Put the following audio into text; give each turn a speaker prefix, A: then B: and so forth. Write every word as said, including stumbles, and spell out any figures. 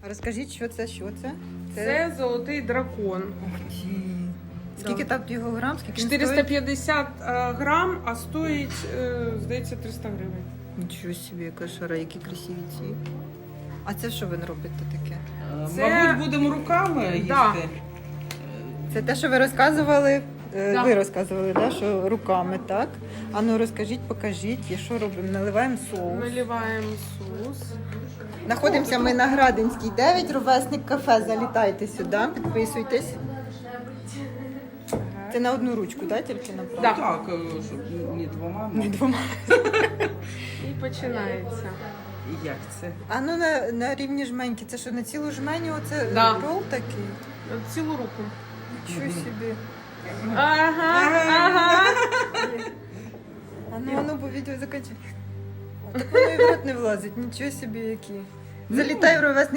A: Розкажіть, що це, що це?
B: Це золотий дракон.
A: Ух ти. Скільки
B: Да.
A: там його грам? Скільки він
B: чотириста
A: стоїть?
B: п'ятдесят е, грам, а стоїть, е, здається, триста гривень.
A: Нічого собі, яка шара, які красиві ці. А це що ви робите таке?
B: Це-
C: Мабуть, будемо руками їсти.
B: Да.
A: Це те, що ви розказували, е,
B: Да.
A: ви розказували, да, що руками, так? А ну розкажіть, покажіть, і що робимо? Наливаємо соус.
B: Наливаємо соус.
A: Знаходимося ми на Градинській дев'ять, ровесник кафе. Залітайте сюди, підписуйтесь. Це на одну ручку, да, тільки направо?
B: Да.
C: Так, е, щоб не двома.
A: Не двома.
B: І починається.
C: Як це?
A: А ну на, на рівні жменьки, це що, на цілу жменю оце
B: Да.
A: рол такий?
B: Цілу руку.
A: Нічого собі.
B: Ага, ага.
A: А ну, а ну, бо відео закінчить. Так воно і в рот не влазить, нічого собі які. Залітай в ровесник.